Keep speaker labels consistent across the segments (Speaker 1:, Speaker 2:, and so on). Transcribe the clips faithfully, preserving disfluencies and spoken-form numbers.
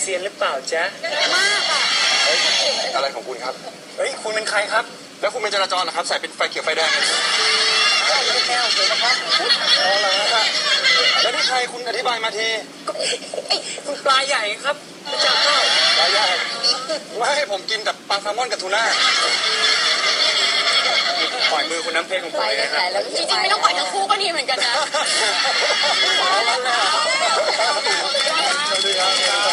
Speaker 1: ซียนหรือเปล่าจ๊ะ
Speaker 2: มากอ่ะ
Speaker 3: เฮ้ยอะไรของคุณครับ
Speaker 1: เฮ้ยคุณเป็นใครครับ
Speaker 3: แล้วคุณเป็นจราจรเหรอครับใส่เป็นไฟเขียวไฟแดงเลย
Speaker 1: ไม่แก้วเลยนะครับอ๋อเหรอฮะ
Speaker 3: แล้วนี่ใครคุณอธิบายมาที
Speaker 1: ก็ไอ้คุณปลาใหญ่ครับไม่จับเข้า
Speaker 3: ปลาใหญ่ไม่ให้ผมกินแต่ปลาแซลมอนกับทูน่าปล่อยมือคุณน้ำเพชรของผมเลยนะครับ
Speaker 2: จริงๆไม่ต้องปล่อยทั้งคู่ก็ดีเหมือนกันนะ
Speaker 3: สวัสดีครับ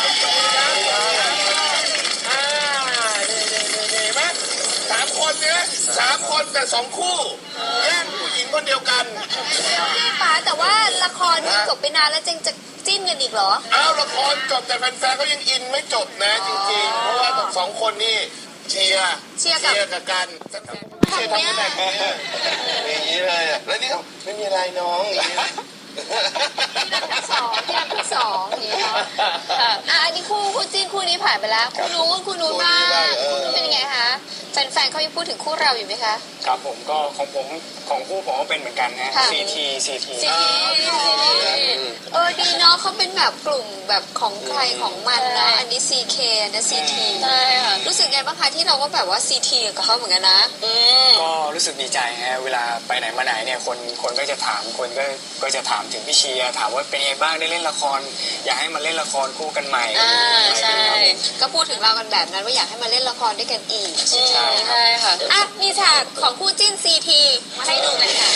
Speaker 4: อ่านี่นี่นี่นี่ไหมสามคนเนี่ยสามคนแต่สองคู่แย่งผู้หญิงคนเดียวกัน
Speaker 2: พี่ป๋าแต่ว่าละครนี่จบไปนานแล้วจึงจะจิ้นกันอีกเหรอ
Speaker 4: อ้าวละครจบแต่แฟนๆเขายังอินไม่จบนะจริงๆเพราะว่าทั้งสองคนนี่เชียร์
Speaker 2: เชียร์
Speaker 4: กับกันเชียร์ทำกันแบบนี้อย่างนี้เลยแล้วนี่เขาไม่มีอะไรน้องอย่างนี้
Speaker 2: ที่รักทั้งสองที่รักทั้งสองอย่างนี้เนาะอ่ะอันนี้คู่คู่จิ้นคู่นี้ผ่านไปแล้วคู่นู้นคู่นู้นบ้างคู่นู้นเป็นยังไงคะแฟนๆเขายังพูดถึงคู่เราอยู่ไหมคะ
Speaker 1: ครับผมก็ของผมของคู่ผมก็เป็นเหมือนกันนะซีทีซีที
Speaker 2: ซีทีเออดีเนาะเขาเป็นแบบกลุ่มแบบของใครของมันนะอันนี้ซีเคนะซีที
Speaker 5: ใช่ค่ะ
Speaker 2: รู้สึกไงบ้างคะที่เราก็แบบว่าซีทีกับเขาเหมือนกันนะ
Speaker 1: ก็รู้สึกดีใจฮะเวลาไปไหนมาไหนเนี่ยคนคนก็จะถามคนก็ก็จะถามถึงพี่เชียร์ถามว่าเป็นไงบ้างได้เล่นละครอยากให้มาเล่นละครคู่กันใหม่
Speaker 2: อ่าใช่ก็พูดถึงเรากันแบบนั้นว่าอยากให้มาเล่นละครด้วยกันอีก
Speaker 1: ใช่
Speaker 5: ใช่ค่ะ
Speaker 2: อ่ะมีฉากของคู่จิ้นซีทีมาให้ดูกันค่ะ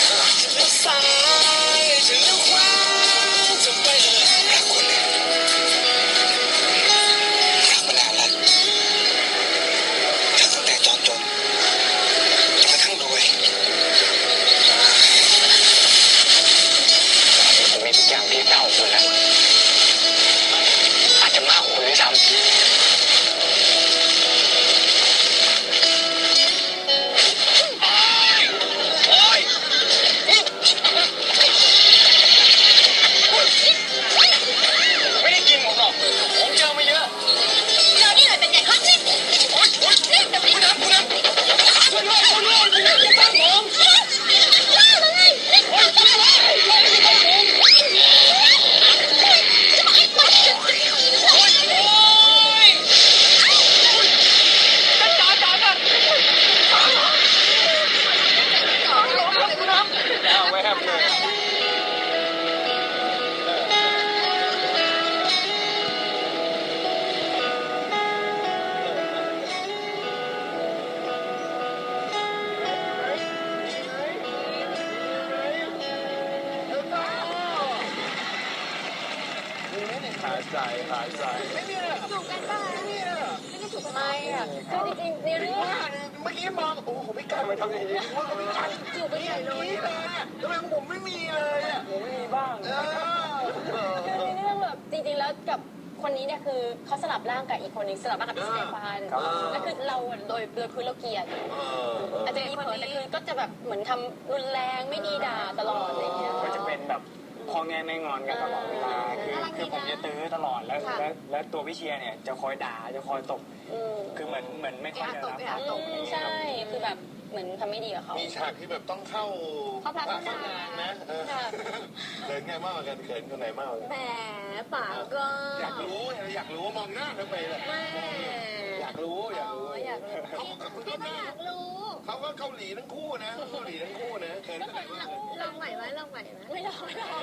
Speaker 3: หายใจหายใจ
Speaker 2: ไม่มีเลยจูบกันป่ะไม่มีเลยไม่ได้จูบกันไหมอ่ะ
Speaker 5: คือจริงๆในเรื่อง
Speaker 4: เมื่อกี้มองโอ้โหไม่กล้าไปทำอย่างนี้ว่าเขาไม่กล้า
Speaker 2: จูบไปใหญ่เลย
Speaker 4: ทำไมผมไม่มีเลยอ่ะ
Speaker 1: ผมไม่มีบ้าง
Speaker 5: คือในเรื่องแบบจริงๆแล้วกับคนนี้เนี่ยคือเขาสลับร่างกับอีกคนนึงสลับร่างกับพี่สเตฟานแล้วคือเราโดยโดยพื้นเราเกลียดอาจจะมีเผลอแต่คือก็จะแบบเหมือนทำรุนแรงไม่ดีด่าตลอดอะไรเงี้ย
Speaker 1: ก็จะเป็นแบบพ่อแง่แม่งอนกันตลอดเวลาคือคือผมจะตื้อตลอดแล้วแล้วแล้วตัวพี่เชียร์เนี่ยจะคอยด่าจะคอยตบคือเหมือนเหมือนไม่ค่อยจะรับ
Speaker 5: ตบใช่คือแบบเหมือนทำไม่ดีกับเขา
Speaker 4: มีฉากที่แบบต้องเข้า
Speaker 2: เข้าพระน
Speaker 4: านนะเขินไงมากกว่ากันเขินคนไหนมากกว่ากัน
Speaker 2: แหมป่าก็
Speaker 4: อยากรู้อยากรู้มองหน้าทำไมล่ะอยากรู้อยากรู้
Speaker 2: อยากรู้พี่ไม่อยากรู้
Speaker 4: เขาก็เกาหลีทั้งคู่นะเกาหลีทั้งคู่นะเขินคนไหนมาก
Speaker 2: ลองใหม่ไหมลองใหม่ไหม
Speaker 5: ไม่ลองไม่ลอง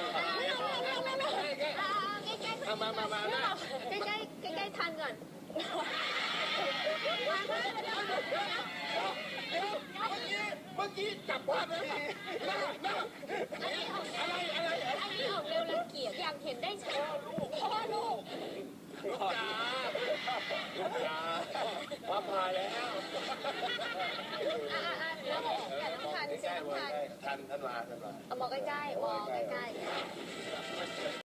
Speaker 4: มามามา
Speaker 2: ใกล้ใกล้ใกล้ใกล้ทันก่อน
Speaker 4: เมื่อกี้จับภาพเลย
Speaker 2: อะไรอะไรอันนี้ออกเร็วรังเกียจอยากเห็นได้ชัดพ่อลูก
Speaker 4: ลูกจ๋าลูกจ๋าพ่อพาแล้ว
Speaker 2: อ่าอ่าแล้วแต่ต้องทันใช่ไหมทัน
Speaker 4: ทันทันมาทันมา
Speaker 2: เอามองใกล้ๆมองใกล้ๆ